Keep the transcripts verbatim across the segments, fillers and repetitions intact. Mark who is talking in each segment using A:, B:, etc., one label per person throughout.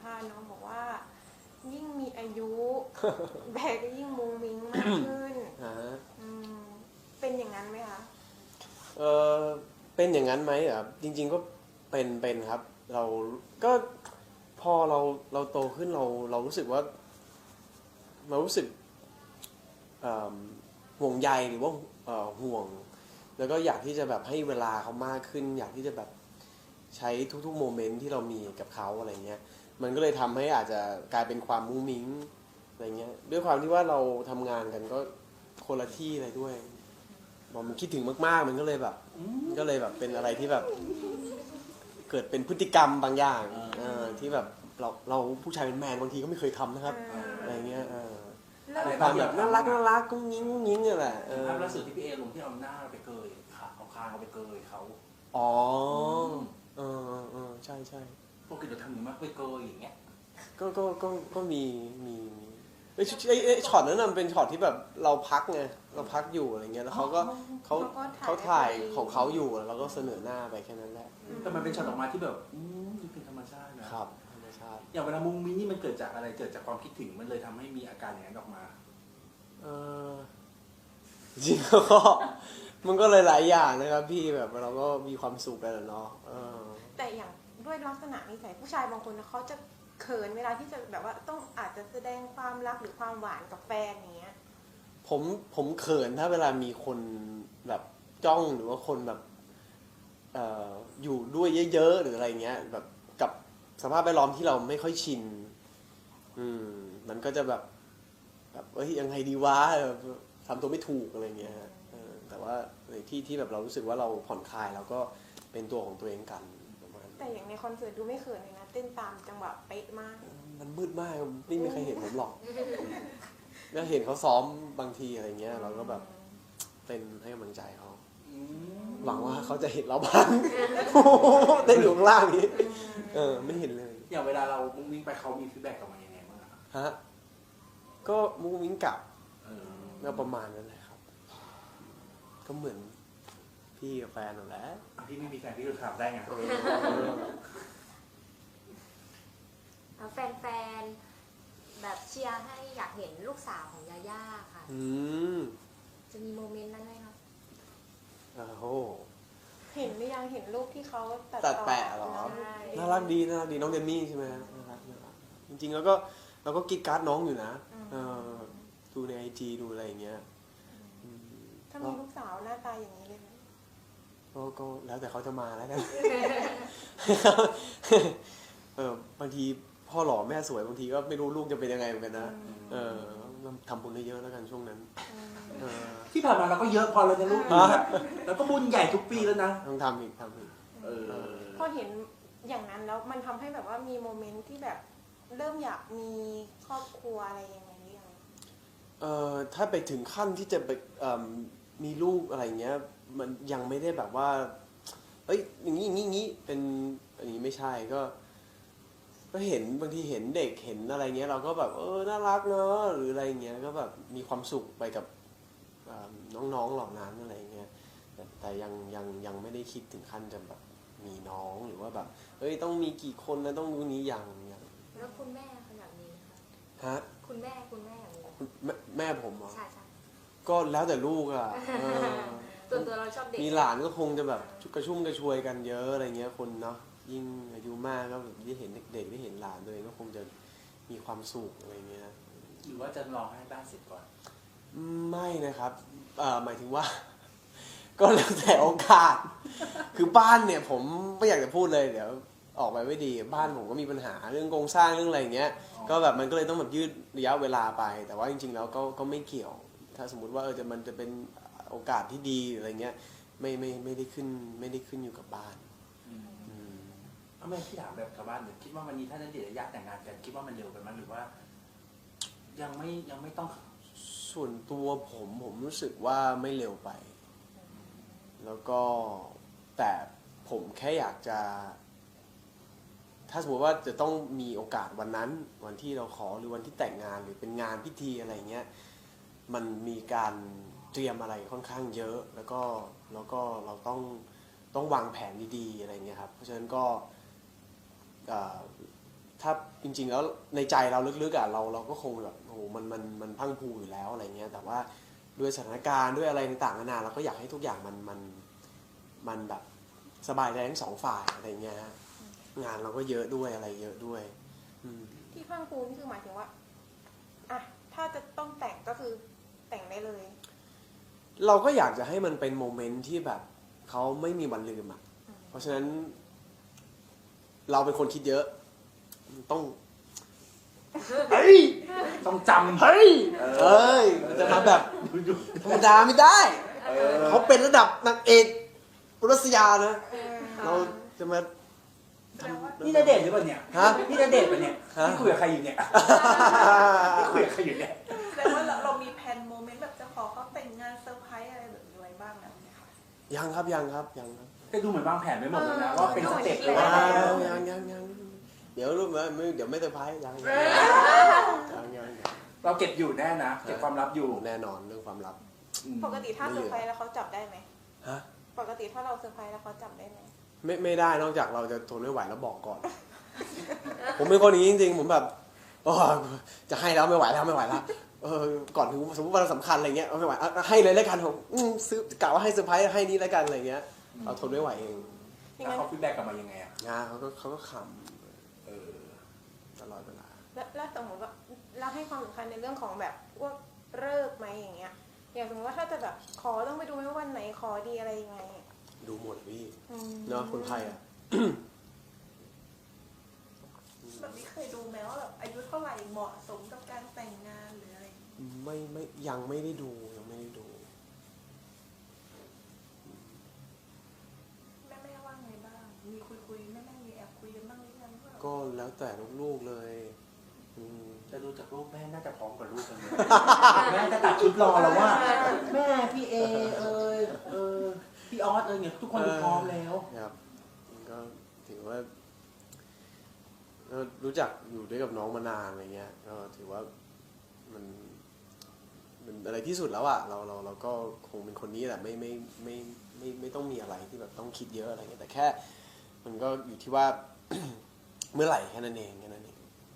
A: าษณ์น้องบอกว่ายิ่งมีอายุ แบกก็ยิ่งมุงมิ้งมากขึ้นอืมเป็นอย่างนั้นไหมคะ
B: เออเป็นอย่างนั้นไหมอ่ะจริงๆก็เป็นเป็นครับเราก็พอเราเราโตขึ้นเราเรารู้สึกว่าเรารู้สึกห่วงใยหรือว่าห่วงแล้วก็อยากที่จะแบบให้เวลาเขามากขึ้นอยากที่จะแบบใช้ทุกๆโมเมนต์ที่เรามีกับเขาอะไรเงี้ยมันก็เลยทำให้อาจจะกลายเป็นความมุ้งมิ้งอะไรเงี้ยด้วยความที่ว่าเราทำงานกันก็คนละที่อะไรด้วยพอมันคิดถึงมากๆมันก็เลยแบบก็เลยแบบเป็นอะไรที่แบบเกิดเป็นพฤติกรรมบางอย่างที่แบบเราเราผู้ชายเป็นแมนบางทีก็ไม่เคยทำนะครับอะไรเงี้ยความแบบน่ารักน่ารักกุ้งยิ้งกุ้งยิ้งนี่แหละ
C: ภาพล่าสุดที่พี่เอลงที่เอาหน้าไปเกยขาเอาคางเอาไปเกยเขา
B: อ๋อเออเออใช่ใช่
C: ปกติเราทำอย่างมากไปเกยอย่างเงี้ย
B: ก็ก็ก็ก็มีมีไอ้ไอ้ช็อตนั้นมันเป็นช็อตที่แบบเราพักไงเราพักอยู่อะไรเงี้ยแล้วเขาก็เขาเขาถ่ายของเขาอยู่แล้วเราก็เสนอหน้าไปแค่นั้นแหละ
C: แต่มันเป็นช็อตออกมาที่แบบอืมดูเป็นธรรมชาตินะครับ
B: ธรรมชาติ
C: อย่างเวลามุ้งมิ้งนี่มันเกิดจากอะไรเกิดจากความคิดถึงมันเลยทำให้มีอาการอย่างนั้นออกมา
B: เออจริงๆก็มันก็เลยหลายอย่างนะครับพี่แบบเราก็มีความสุขกันเนาะ
A: แต่อย่างด้วยลักษณะนิสัยผู้ชายบางคนเขาจะเขินเวลาที่จะแบบว่าต้องอาจจะแสดงความรักหรือความหวานกับแฟนอย่างเงี้ย
B: ผมผมเขินถ้าเวลามีคนแบบจ้องหรือว่าคนแบบเอ่ออยู่ด้วยเยอะๆหรืออะไรเงี้ยแบบกับสภาพแวดล้อมที่เราไม่ค่อยชินอืมมันก็จะแบบแบบเอ้ยยังไงดีวะทำตัวไม่ถูกอะไรเงี้ยแต่ว่าในที่ที่แบบเรารู้สึกว่าเราผ่อนคลายเราก็เป็นตัวของตัวเองกันประมาณ
A: แต่อย่างในคอนเสิร์ตดูไม่เขินเลยนะเต้นตามจังหวะเป๊ะมาก
B: มันมืดมากไม่มีใครเห็นผมหรอกก็เห็นเขาซ้อมบางทีอะไรเงี้ยเราก็แบบเต้นให้กำลังใจเขาหวังว่าเขาจะเห็นเราบ้างเต้นอยู่ข้างล่างนี้เออไม่เห็นเลย
C: อย่างเวลาเรามุ้งมิ้งไปเขามีฟีดแบ็กกลับมายังไงบ้าง
B: ฮะก็มุ้งมิ้งกลับก็ประมาณนั้นแหละครับก็เหมือนพี่กับแฟนนั่นแหละ
C: พี่ไม่มีแฟนพี่จะถามได้ไง
D: แฟนๆแบบเชียร์ให้อยากเห็นลูกสาวของยาย่าค่ะจะมีโมเมนต์นั้นไหมครับ
B: โอ้
A: เห็นหรือยังเห็นรูปที่เขา
B: ตัดแปะหรอน่ารักดีน่ารักดีน้องเดมี่ใช่ไหมน่ารักจริงๆแล้วก็เราก็กีดการ์ดน้องอยู่นะดูในไอจีดูอะไรอย่างเงี้ย
A: ถ้ามีลูกสาวหน้าตาอย่างนี้เลยไหม
B: ก็ก็แล้วแต่เขาจะมาแล้วกันเออบางทีพ่อหล่อแม่สวยบางทีก็ไม่รู้ลูกจะเป็นยังไงเหมือนกันนะเออทำบุญเยอะแล้วกันช่วงนั้น
C: ที่ผ่านมาเราก็เยอะพอเราจะลูกแล้วก็บุญใหญ่ทุกปีแล้วนะ
B: ต้องทำอีกทำอีก
A: พอเห็นอย่างนั้นแล้วมันทำให้แบบว่ามีโมเมนต์ที่แบบเริ่มอยากมีครอบครัวอะไรยังไงหรือยัง
B: เอ่อถ้าไปถึงขั้นที่จะไปมีลูกอะไรเงี้ยมันยังไม่ได้แบบว่าเอ้ยอย่างนี้อย่างนี้อย่างนี้เป็นอันนี้ไม่ใช่ก็ก็เห็นบางทีเห็นเด็กเห็นอะไรเงี้ยเราก็แบบเออน่ารักเนอะหรืออะไรเงี้ยก็แบบมีความสุขไปกับน้องๆเหล่านั้นอะไรเงี้ยแต่ยังยังยังไม่ได้คิดถึงขั้นจะแบบมีน้องหรือว่าแบบเฮ้ยต้องมีกี่คนนะต้องรู้นี้อย่างอย่าง
D: แล้วคุณแม่ขนาดนี้คะ
B: ฮะ
D: คุณแม่คุณแม่อย่างนี้
B: แม่แม่ผมเหรอ
D: ใช่ใช่
B: ก็แล้วแต่ลูกอ่ะ
D: ตัวตัวเราชอบเด็ก
B: มีหลานก็คงจะแบบกระชุ่มกระชวยกันเยอะอะไรเงี้ยคนเนาะยิ่งอายุมากก็แบบได้เห็นเด็กๆได้เห็นหลานตัวเองก็คงจะมีความสุขอะไรเงี้ย
C: หรือว่าจะรอให้บ้านเสร็จก่อน
B: ไม่นะครับหมายถึงว่าก็แล้วแต่โอกาสคือบ้านเนี่ยผมไม่อยากจะพูดเลยเดี๋ยวออกไปไม่ดีบ้านผมก็มีปัญหาเรื่องโครงสร้างเรื่องอะไรเงี้ยก็แบบมันก็เลยต้องแบบยืดระยะเวลาไปแต่ว่าจริงๆแล้วก็ก็ไม่เกี่ยวถ้าสมมุติว่าเออจะมันจะเป็นโอกาสที่ดีอะไรเงี้ยไม่ไม่ไม่ได้ขึ้นไม่ได้ขึ้นอยู่กับบ้าน
C: ทำไมพี่ถามแบบชาวบ้านเนี่ยคิดว่าวันนี้ถ้าณเดชน์และยะแต่งงานกันคิดว่ามันเร็วไปมั้ยหรือว่ายังไม่ยังไม่ต้อง
B: ส่วนตัวผมผมรู้สึกว่าไม่เร็วไปแล้วก็แต่ผมแค่อยากจะถ้าสมมติว่าจะต้องมีโอกาสวันนั้นวันที่เราขอหรือวันที่แต่งงานหรือเป็นงานพิธีอะไรเงี้ยมันมีการเตรียมอะไรค่อนข้างเยอะแล้วก็แล้วก็เราต้องต้องวางแผนดีๆอะไรเงี้ยครับเพราะฉะนั้นก็ถ้าจริงๆแล้วในใจเราลึกๆอ่ะเราเราก็คงแบบโอ้โหมันมันมันพรังพรูอยู่แล้วอะไรเงี้ยแต่ว่าด้วยสถานการณ์ด้วยอะไรต่างๆนานาเราก็อยากให้ทุกอย่างมันมันมันแบบสบายใจทั้งสองฝ่ายอะไรเงี้ยฮะงานเราก็เยอะด้วยอะไรเยอะด้วยอืม
A: ที่พรังพรูนี่คือหมายถึงว่าอ่ะถ้าจะต้องแต่งก็คือแต่งได้เลย
B: เราก็อยากจะให้มันเป็นโมเมนต์ที่แบบเขาไม่มีวันลืมอ่ะ
A: อืม
B: เพราะฉะนั้น เราเป็นคนคิดเยอะ ต้องเฮ้ย
C: ต้องจำ
B: เฮ้ยเอ้ยมันจะมาแบบธรรมดาไม่ได้
C: เออ
B: เขาเป็นระดับนางเอกรัสยานะ
A: เออ
B: เราจะมา
A: แสดงว่า
C: นี่ณเดชน์หรือเปล่าเนี่ย
B: ฮะ
C: นี่ณเดชน์ปะเนี่ย
B: ฮะ
C: นี่คุยกับใครอยู่เนี่ยนี่คุยกับใครอยู่เนี่ย
E: แสดงว่าเราเรามีแผนโมเมนต์แบบจะขอเขาแต่งงานเซอร์ไพรส์อะไรแบบนี้ไว้บ้างแล้วไหมคะ
B: ยังครับยังครับยังครับ
C: แต่ดูเหมือนวางแผนไว้หมดเลยนะว่าเป็นสเต็ปเลย
B: ยั
C: ว่า
B: งยังยังยังเดี๋ยวรู้ไหมไม่เดี๋ยวไม่เซอร์ไพรส์ยังยังยังยัง
C: เราเก็บอยู่แน่นะ เก็บความลับอยู่
B: แน่นอนเรื่องความลับ
C: อืม
A: ปกติถ้าเซอร์ไพรส์แล้วเขาจับได้ไหม
B: ฮะ
A: ปกติถ้าเราเซอร์ไพรส์แล้วเขาจับได้ไหม
B: ไม่ไม่ได้นอกจากเราจะทนไม่ไหวแล้วบอกก่อน ผมเป็นคนอย่างนี้จริงๆผมแบบโอ้จะให้แล้วไม่ไหวแล้วไม่ไหวแล้วเออก่อนถึงสมมติวันสำคัญอะไรเงี้ยเอาไม่ไหวเอาให้เลยแล้วกันผมอืมซื้อกะว่าให้เซอร์ไพรส์ให้นี้แล้วกันอะไรเงี้ยเราทนไม่ไหวเอง
A: อย่าง
C: แล้ว
A: นั้น
C: เขาฟีดแบ็กกลับมายังไงอ่ะ
B: งานเขาก็เขาก็ข
C: เออ
B: ำตลอดเวลา
A: แล้วแล้วสมมติว่าเราให้ความสำคัญในเรื่องของแบบพวกเลิกษ์ไหมอย่างเงี้ย อย่างสมมติว่าถ้าจะแบบขอต้องไปดูไหมว่าวันไหนขอดีอะไรยังไง
B: ดูหมดพี่
A: อืม
B: เนาะคนไทยอ่ะ
E: แบบนี้เคยดูไหมว่าแบบอายุเท่าไหร่เหมาะสมกับการแต่งงานหรืออะไรอย่างเงี้ย
B: ไม่ไม่ยังไม่ได้ดูยังไม่ได้ดู
E: แม่แม่ว่าไงบ้าง มีคุยคุยแม่แม่มีแอบคุยกันบ้างหรือยังว่า
B: ก็แล้วแต่ลูกๆเลยอืม
C: จะดูจากรูปแม่น่าจะพร้อมกับลูกกันเลย แม่จะตัดชุดรอแล้วว่า แม่พี่เอเอยเออพี่ออสเอยเนี่ยทุกคนดูพร้อมแล้ว
B: ครับก็ถือว่าก็รู้จักอยู่ด้วยกับน้องมานานอะไรเงี้ยก็ถือว่ามันเป็นอะไรที่สุดแล้วอะเราเราเราก็คงเป็นคนนี้แหละไม่ไม่ไม่ไม่ไม่ไม่ต้องมีอะไรที่แบบต้องคิดเยอะอะไรเงี้ยแต่แค่ มันก็อยู่ที่ว่า เมื่อไหร่แค่นั้นเองแค่นั้นเอง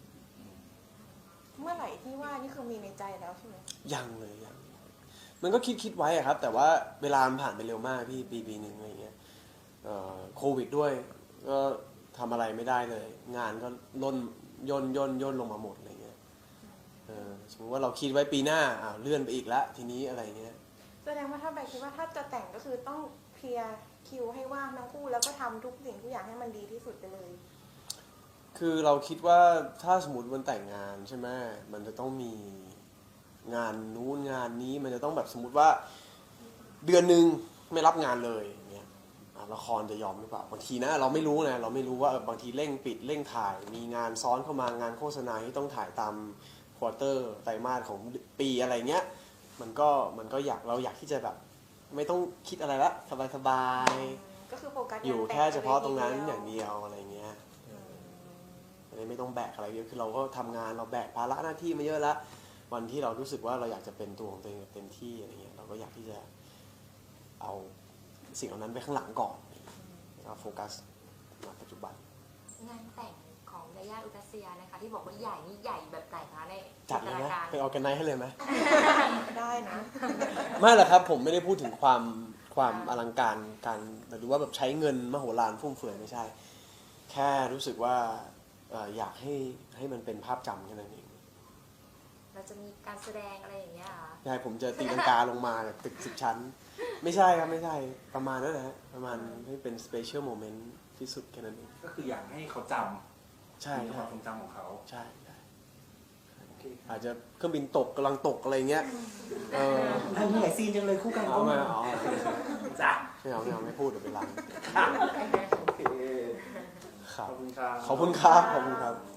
A: เมื่อไหร่ที่ว่านี่คือมีในใจแล้วใช่ไหม
B: ยังเลยยังมันก็คิดคิดไว้อะครับ แต่ว่าเวลามันผ่านไปเร็วมากพี่ปีปีหนึ่งอะไรเงี้ยเอ่อโควิดด้วยก็ทำอะไรไม่ได้เลย งานก็ล่นย่นย่นย่นลงมาหมดอะไรเงี้ยเออสมมติว่าเราคิดไว้ปีหน้าอ้าวเลื่อนไปอีกละทีนี้อะไรเงี้ย
A: แสดงว่าถ้าแบบคิดว่าถ้าจะแต่งก็คือต้องเคลียร์คิวให้ว่างทั้งคู่แล้วก็ทำทุกสิ่งทุกอย่างให้มันดีที่สุดไปเลย
B: คือเราคิดว่าถ้าสมมติวันแต่งงานใช่ไหมมันจะต้องมีงานนู้นงานนี้มันจะต้องแบบสมมติว่าเดือนหนึ่งไม่รับงานเลยอย่างเงี้ยอ่ะละครจะยอมหรือเปล่าบางทีนะเราไม่รู้นะเราไม่รู้ว่าเออบางทีเร่งปิดเร่งถ่าย มีงานซ้อนเข้ามางานโฆษณาที่ต้องถ่ายตามควอเตอร์ไตรมาสของปีอะไรเงี้ยมันก็มันก็อยากเราอยากที่จะแบบ ไม่ต้องคิดอะไรละสบายๆ
A: ก็คือโฟกัส
B: อยู่
A: งานแต่ง
B: แค่เฉพาะตรงนั้น
A: ไป
B: อย่าง
A: เดียว
B: เดียวอะไรเงี้ยอันนี้ไม่ต้องแบกอะไรเยอะคือเราก็ทำงานเราแบกภาระหน้าที่มาเยอะแล้ววันที่เรารู้สึกว่าเราอยากจะเป็นตัวของตัวเองเต็มที่อะไรเงี้ยเราก็อยากที่จะเอาสิ่งเหล่านั้นไปข้างหลังก่อนแล้วก็โฟกัสมาปัจจุบัน
D: งานแต่งของยาย่าอุรัสยานะคะที่บอกว่าใหญ่นี่ใหญ่แบบไหนคะใน
B: จัดเลยไหม
D: จินตนาการ
B: ไปออร์แกไนซ์ให้เลยไหม
A: ได้นะ
B: ไม่หรอกครับผมไม่ได้พูดถึงความความอลังการการหรือว่าแบบใช้เงินมโหฬารฟุ่มเฟือยไม่ใช่ แค่รู้สึกว่าเอ่ออยากให้ให้มันเป็นภาพจำแค่นั้นเอง
D: เราจะมีการแสดงอะไรอย่างเงี้ยเหรอ
B: ใช่ผมจะตีลังกาลงมาจากตึกสิบชั้น ไม่ใช่ครับไม่ใช่ประมาณนั้นนะฮะประมาณให้เป็นสเปเชียลโมเมนต์ที่สุดแค่นั้นเอง
C: ก็คืออยากให้เขาจำ
B: ใช่
C: ในค
B: ใช่
C: วามทรงจำของเขา
B: ใช่ใช่
C: โอเค
B: อาจจะเครื่องบินตกกำลังตกอะไรเงี้ยเออ
C: อันนี้หลายซีนจังเลยคู่กัน
B: เอามาเอา
C: จ้ะ
B: ไม่เอาไม่เอาไม่พูดเดี๋ยวไปรัน
C: โอเค
B: ครั
C: ข
B: บ
C: อบคุณครับ
B: ขอบคุณครับขอบคุณครับ